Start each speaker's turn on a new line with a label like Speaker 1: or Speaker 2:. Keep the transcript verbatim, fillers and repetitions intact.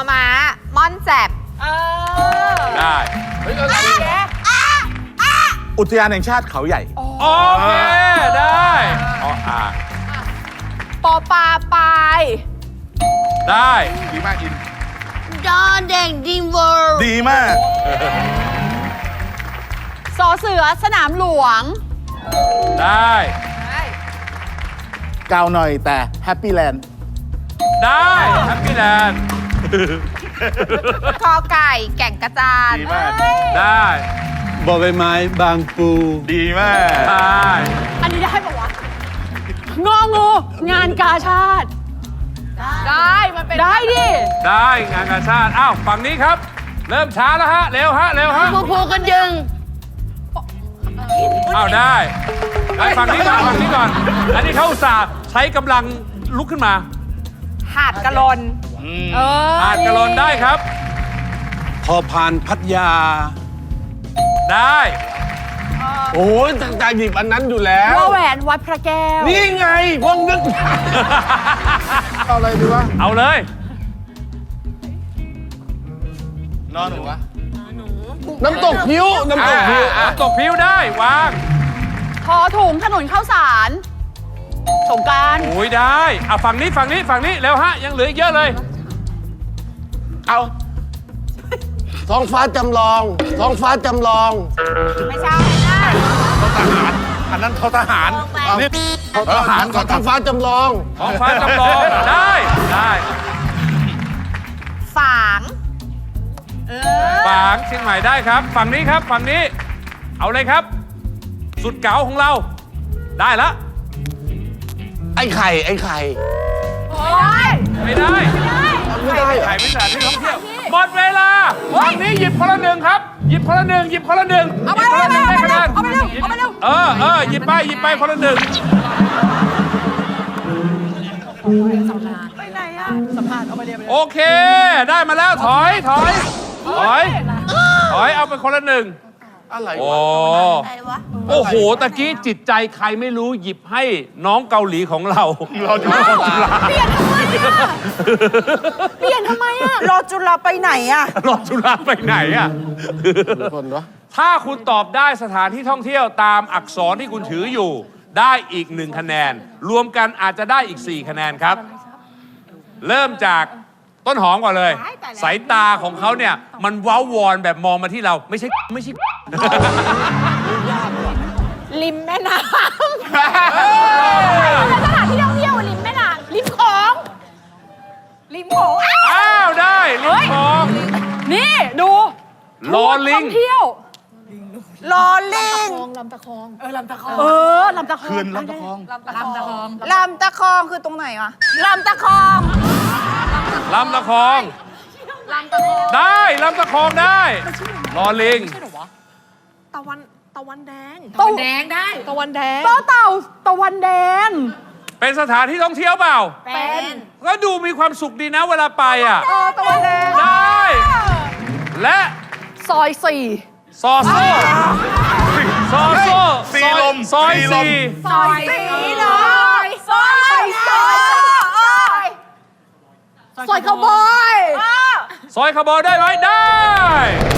Speaker 1: ม้าม่อนแจ่ม
Speaker 2: ได้
Speaker 3: อุทยานแห่งชาติเขาใหญ่
Speaker 2: โอเคได้ออ่าง
Speaker 1: ปอปลาปลาย
Speaker 2: ได้
Speaker 3: ดีมากอิน
Speaker 1: ดอนแดงดิมเวิร์
Speaker 3: ดีมาก
Speaker 1: สอเสือสนามหลวง
Speaker 2: ได้
Speaker 3: กาวหน่อยแต่แฮปปี้แลนด์
Speaker 2: ได้แฮปปี้แลนด์
Speaker 1: คอไก่แก่งกระจาน
Speaker 3: ดีมาก
Speaker 2: ได้
Speaker 4: บอใบไม้บางปู
Speaker 3: ดีมาก
Speaker 2: ได้
Speaker 1: อันนี้ได้ปะวะงองูงานกาชาติได้มันเป็นได้ดิ
Speaker 2: ได้งานกาชาติอ้าวฝั่งนี้ครับเริ่มช้าแล้วฮะเร็วฮะเร็วฮะ
Speaker 1: พูพูกันยึง
Speaker 2: อ้าวได้ไอ้ฝั่งนี้ก่อนฝั่งนี้ก่อนอันนี้เขาอุตส่าห์ใช้กำลังลุกขึ้นมา
Speaker 1: หาดกะลน
Speaker 2: เออหาดกะลนได้ครับ
Speaker 4: พอพานพัทยา
Speaker 2: ได้
Speaker 4: โอ้ยตั้งใจหยิบอันนั้นอยู่แล้ว
Speaker 1: วแหวนวัดพระแก้ว
Speaker 4: นี่ไงพวกนึก
Speaker 3: เอาอะไรดีวะ
Speaker 2: เอาเลย
Speaker 3: นอนหนูวะ
Speaker 4: น้ำตกพิ้วน้ำตกพิ้ว
Speaker 2: น้ำตกพิ้วได้วาง
Speaker 1: พอถุงถนนข้าวสารสงการ
Speaker 2: โอ้ยได้อ่ะฝั่งนี้ฝั่งนี้ฝั่งนี้เร็วฮะยังเหลืออีกเยอะเลย
Speaker 3: เอา
Speaker 4: ท้องฟ้าจำลองท้องฟ้าจำลอง
Speaker 1: ไม่ใช่ได้
Speaker 3: ทหารอันนั้นเขาทหารนี่ทหารก่อน
Speaker 4: ท้องฟ้าจำลอง
Speaker 2: ท้องฟ้าจำลองได้ได้
Speaker 1: ฝาง
Speaker 2: ฝางเชียงใหม่ได้ครับฝั่งนี้ครับฝั่งนี้เอาเลยครับสุดเก๋าของเราได้ละ
Speaker 4: ไอ้ไข่ไอ้ไข่
Speaker 2: ไม่ได้ไม่ได้ไข่เป็นสถานที่ท่องเที่ยวหมดเวลาวันนี้หยิบคนละหนึ่งครับหยิบคนละหนึ่งหยิบคนละหนึ่ง
Speaker 1: เอาไปเอาไปเอาไปเอาไปเร็วเอาไปเร็ว
Speaker 2: เออเออหยิบไปหยิบไปคนละหนึ่ง
Speaker 1: ไปไหนอะสัมภาษณ์เอาไปเร็ว
Speaker 2: โอเคได้มาแล้วถอยถอยถอยถอยเอาไปคนละหนึ่ง
Speaker 3: อะไรว
Speaker 2: ะโอ้โหตะกี้จิตใจใครไม่รู้หยิบให้น้องเกาหลีของเรา
Speaker 3: เราจะรอจุฬา
Speaker 1: เปลี่ยนทำไมอะรอจุฬาไปไหนอะ
Speaker 2: รอจุฬาไปไหนอะถ้าคุณตอบได้สถานที่ท่องเที่ยวตามอักษรที่คุณถืออยู่ได้อีกหนึ่งคะแนนรวมกันอาจจะได้อีกสี่คะแนนครับเริ่มจากต้นหอมก่อนเลยสายตาของเขาเนี่ยมันว้าววอนแบบมองมาที่เราไม่ใช่ไม่ใช่
Speaker 1: ริมแม่น้ำสถานที่ท่องเที่ยวริมแม่น้ำริมของริมของ
Speaker 2: อ้าวได้ริมของ
Speaker 1: นี่ดู
Speaker 2: ลอลิง
Speaker 1: ท่องเที่ยวลอลิงลำตะคองเออลำตะคองเออลำตะคอง
Speaker 3: คืนลำตะคอง
Speaker 1: ลำตะคองลำตะคองคือตรงไหนวะลำตะคอง
Speaker 2: ลำตะคองได้ลำตะคองได้ลอลิง
Speaker 1: ตะวันตะวันแดงตะวันแดงได้ตะวันแดงต่อเต่าตะวันแดง
Speaker 2: เป็นสถานที่ท่องเที่ยวเปล่า
Speaker 1: เป็น
Speaker 2: ก็ดูมีความสุขดีนะเวลาไปอ่ะ
Speaker 1: ตะวันแดง
Speaker 2: ได้และ
Speaker 1: ซอยสี่
Speaker 2: ซอโซ่ซอโซ่
Speaker 3: สีลม
Speaker 2: ซอยสี่
Speaker 1: ซอยสี่เลยซอยซอยซอยขบอย
Speaker 2: ซอยขบอยได้ไหมได้